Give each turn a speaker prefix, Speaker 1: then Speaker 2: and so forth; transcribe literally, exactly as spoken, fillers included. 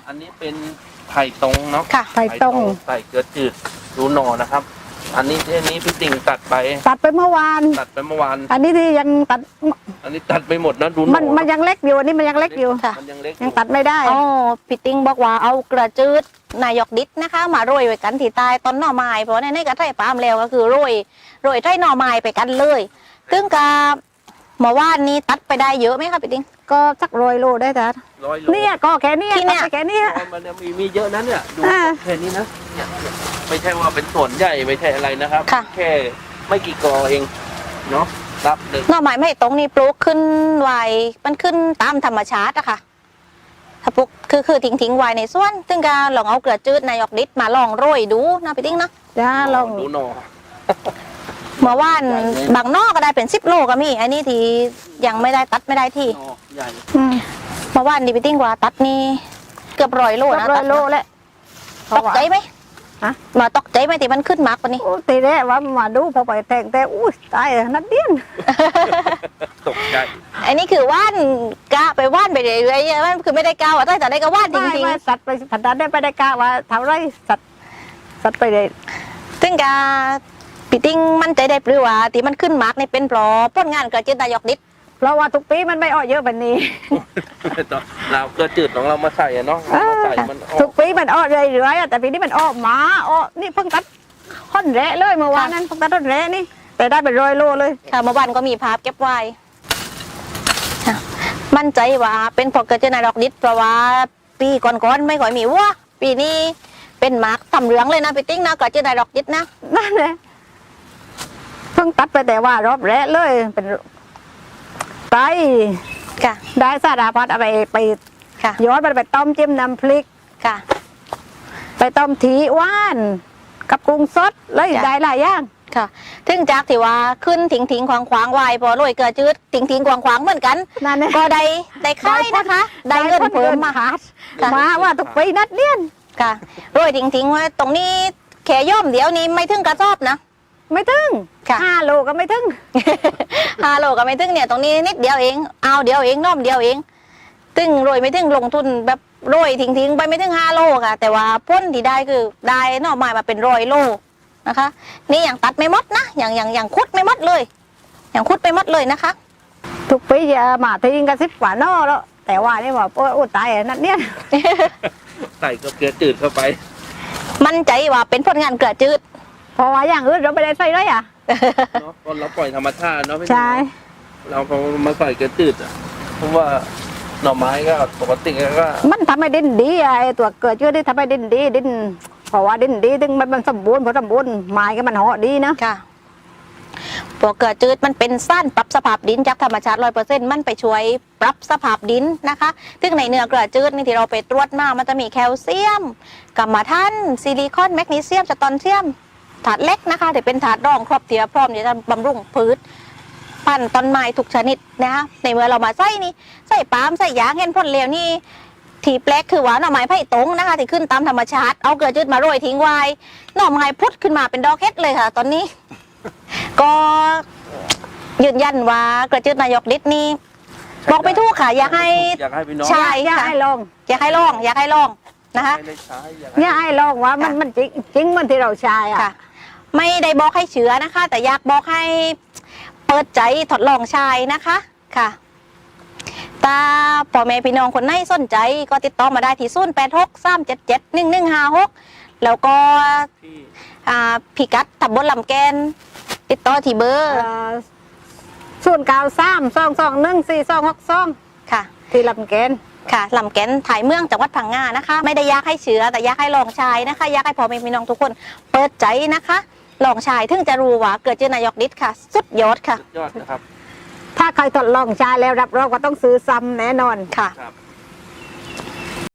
Speaker 1: อันนี้เป็นไผ่ตรงเนาะ
Speaker 2: ค่ะ
Speaker 3: ไผ่ตรง
Speaker 1: ใส่เกลือจืดดูหน่อนะครับ อันนี้ที่นี้พี่ติ่งตัดไป
Speaker 3: ตัดไปเมื่อวาน
Speaker 1: ตัดไปเมื่อวาน
Speaker 3: อันนี้ที่ยังตัด
Speaker 1: อันนี้ตัดไปหมดนะดูหน่
Speaker 3: มัน
Speaker 1: อ
Speaker 3: มันยังเล็กอยู่อันนี้มันยังเล็กอยู่
Speaker 2: ค่ะ
Speaker 1: มันยังเล็กอ
Speaker 3: ยังตัดไม่ได้
Speaker 2: อ๋อพี่ติ้งบอกว่าเอาเกลือจืดนายกดิษนะคะ มาโรยไว้กันที่ใต้ต้นหน่อไม้เพราะในในกระไถ่ปาล์มแล้วก็คือโรยโรยไถ่หน่อไม้ไปกันเลยซึ่งกับเมื่อวานนี้ตัดไปได้เยอะไหมคะพี่ติ้ง
Speaker 3: ก็สักร้อยโลได้แต่
Speaker 1: ร้อยโล
Speaker 3: เนี่ยก็แค่เนี้ย
Speaker 2: ที่เนี่ย
Speaker 3: ตัดไปแค่เนี้ย
Speaker 1: อ๋อมันยังมีมีเยอะนะเนี่ยดู
Speaker 3: อ่า
Speaker 1: แค่นี้นะเนี่ยไม่ใช่ว่าเป็นส่วนใหญ่ไม่ใช่อะไรนะครับ
Speaker 2: ค่ะ
Speaker 1: แค่ไม่กี่กอเองเนาะรับหนึ่ง
Speaker 2: หน่อไม้ไม่ตรงนี้ปลูกขึ้นไวมันขึ้นตามธรรมชาติอะค่ะถ้าปลูกคือคือทิ้งทิ้งไว้ในสวนซึ่งก็ลองเอาเกลือจืดนายกดิษมาลองโรยดูนะพี่ติ้งเนาะ
Speaker 3: จ้าลอง
Speaker 1: ดูหน่อ
Speaker 2: เมื่อวานบางนอกก็ได้เป็นสิบโลก็มีอันนี้ที่ยังไม่ได้ตัดไม่ได้ที่
Speaker 1: หน่อใหญ่
Speaker 3: อืม
Speaker 2: เมื่อวานดีพี่ติ้งว่าตัดนี่เกือบร้อยโล
Speaker 3: สั
Speaker 2: นะ
Speaker 3: กร้อยโล
Speaker 2: ตัด
Speaker 3: แล้ว
Speaker 2: ตกใจไหม
Speaker 3: ฮะ
Speaker 2: มาตกใจไหมที่มันขึ้นมากกว่านี้
Speaker 3: โอ้ตีแรกว่ามาดูพอไปแต่งแต่อุ้ยตายนัดเดียน
Speaker 1: ตกใจ
Speaker 2: อันนี้คือว่านกะไปว่านไปเรื่อยๆมันคือไม่ได้กาวอ่ะแต่ได้ก็ว่านจ
Speaker 3: ไม่
Speaker 2: ริง
Speaker 3: ไม่สัตว์ไปผัดดันได้ไปได้กะว่าเท่าไรสัตว์สัตว์ไปเลย
Speaker 2: ๆซึ่งกาพี่ติ้งมั่นใจได้ปรือว่าที่มันขึ้นมากนี่เป็นเพราะผลงานกระเจี๊ยบนายกดิษ
Speaker 3: เพราะว่าทุกปีมันไม่อ้อเยอะแบบนี้
Speaker 1: เราเกลือจืดของเรามาใส่อะเนาะเอามาใส่มันออ
Speaker 3: ทุ
Speaker 1: ก
Speaker 3: กปีมันอ้อเรื่อยๆอะแต่ปีนี้มันอ้อหมาอ้อนี่เพิ่งตัดค่อนแระเลยเมื่อวานนั้นเพิ่งตัดต้นแระนี่แต่ได้เป็นร้อยโลเลย
Speaker 2: ค่ะเมื่อวานก็มีภาพเก็บไว้ค่ะมั่นใจว่าเป็นเพราะกระเจี๊ยบนายกดิษเพราะว่าปีก่อนๆไม่ค่อยมีวัวปีนี้เป็นหมากทำเหลืองเลยนะพี่ติ้งนะกระเจี๊ยบนายกดิษนะ
Speaker 3: นั่นแหละเพิ่งตัดไปแต่ว่ารอบแรกเลยเป็นไต
Speaker 2: ค่ะ
Speaker 3: ได้สารพัดเอาไปไป
Speaker 2: ค่ะ
Speaker 3: ย้อนไปไปต้มจิ้มน้ำพริก
Speaker 2: ค่ะ
Speaker 3: ไปต้มทีว่าน กับกุ้งสดเลย
Speaker 2: จ้ะ
Speaker 3: ได้หลายอย่าง
Speaker 2: ค่ะถึงจากที่ว่าขึ้นถิงถิงขวางขวางๆไวายพอโรยเกลือจืดถิงถิงขวางขวางๆเหมือนกัน
Speaker 3: นั่นแหละ
Speaker 2: ก็ได้ได้ค่ายนะคะ ได้เงินเพิ่มมา
Speaker 3: ขาด
Speaker 2: ค่ะ
Speaker 3: มาว่าทุกปีนัดเดียน
Speaker 2: ค่ะโรยถิงถิงๆไว้ตรงนี้แขย่อมเดี๋ยวนี้ไม่ถึงกระสอบนะ
Speaker 3: ไม่ถึง
Speaker 2: ค่ะ
Speaker 3: ห้าโลก็ไม่ถึง
Speaker 2: ฮาโลก็ไม่ถึงเนี่ยตรงนี้นิดเดียวเองเอาเดียวเองน้อมเดียวเองตึงโรยไม่ถึงลงทุนแบบโรยถิงถิงๆไปไม่ถึงห้าโลค่ะ แต่ว่าพ้นที่ได้คือได้หน่อไม้มาเป็นร้อยโลนะคะ นี่อย่างตัดไม่หมดนะอย่างอย่างอย่างคุดไม่หมดเลย อย่างคุดไม่หมดเลยนะคะ
Speaker 3: ทุกปีจะมาทิ้งกันสิบกว่าน่อแล้ว แต่ว่านี่ว่าโอ้โอ้ตายนัดเดียน
Speaker 1: ใส่กับเกลือจืดเข้าไป
Speaker 2: มั่นใจว่าเป็นผลงานเกลือจืด
Speaker 3: เพราะว่าอย่างอื่นเราไม่ได้ใส่เลยอ่ะ
Speaker 1: เนาะเพราะเราปล่อยธรรมชาติเนาะพี่
Speaker 3: ใช่
Speaker 1: เราพอมาใส่เกลือจืดอ่ะเพราะว่าหน่อไม้ก็ปกติก็
Speaker 3: มันทำให้ดินดีไอ้ตัวเกิดเชื่อที่ทำให้ดินดีดินเพราะว่าดินดีถึงมันมันสมบูรณ์พอสมบูรณ์ไม้ก็มันเหาะดีนะ
Speaker 2: ค่ะพวกเกลือจืดมันเป็นสารปรับสภาพดินจากธรรมชาติร้อยเปอร์เซ็นต์มันไปช่วยปรับสภาพดินนะคะซึ่งในเนื้อเกลือจืดนี่ที่เราไปตรวจมามันจะมีแคลเซียมกัมมันถันซิลิคอนแมกนีเซียมสตอนเซียมถาดเล็กนะคะแต่เป็นถาดรองครอบเทียพร้อมที่จะบำรุงพืชพันธุ์ต้นไม้ทุกชนิดนะคะในเมื่อเรามาใส่นี่ใส่ปาล์มใส่ยางเห็นผลเร็วนี่ที่แปลกคือว่าหน่อไม้ไผ่ตรงนะคะที่ขึ้นตามธรรมชาติเอาเกลือจืดมาโรยทิ้งไว้หน่อไม้พุดขึ้นมาเป็นดอกเห็ดเลยค่ะ ตอนนี้ ก็ยืนยันว่ากระจืดนายกดิษนี่บอกไปทุกค่ะ อยากให้
Speaker 1: อยากให้พี่น้อง
Speaker 2: ใช่
Speaker 3: อยากให้ลอง
Speaker 2: อยากให้ลอง อยากให้ลองนะคะ
Speaker 1: ไม่ได้ใช้อยาก
Speaker 3: อยากให้ลองว่ามันมันจริงจริงมันที่เราใช้อ่ะ
Speaker 2: ค่ะ ไม่ได้บอกให้เชื้อนะคะ แต่อยากบอกให้เปิดใจทดลองใช้นะคะค่ะตาพ่อแม่พี่น้องคนไหนสนใจก็ติดต่อมาได้ที่ศูนย์แปดหกสามเจ็ดเจ็ดหนึ่งหนึ่งห้าหกแล้วก็
Speaker 1: ที่
Speaker 2: อ่าพิกัดตำบลลำแกนติดต่อที่เบอร์
Speaker 3: ส่วนเก้าสามสองสองหนึ่งสี่สองหกสอง
Speaker 2: ค่ะ
Speaker 3: ที่ลำเกน
Speaker 2: ค่ะลำแกนถ่ายเมืองจังหวัดพังงานะคะ ไม่ได้อยากให้เชื้อแต่อยากให้ลองชายนะคะอยากให้พ่อแม่พี่น้องทุกคนเปิดใจนะคะลองชายถึงจะรู้ว่าเกิดเจอนายกดิษค่ะ สุดยอดค่ะ
Speaker 1: ยอดนะครับ
Speaker 3: ถ้าใครทดลองใช้แล้วรับรองว่าต้องซื้อซ้ำแน่นอน
Speaker 2: ค่ะ
Speaker 1: ครับ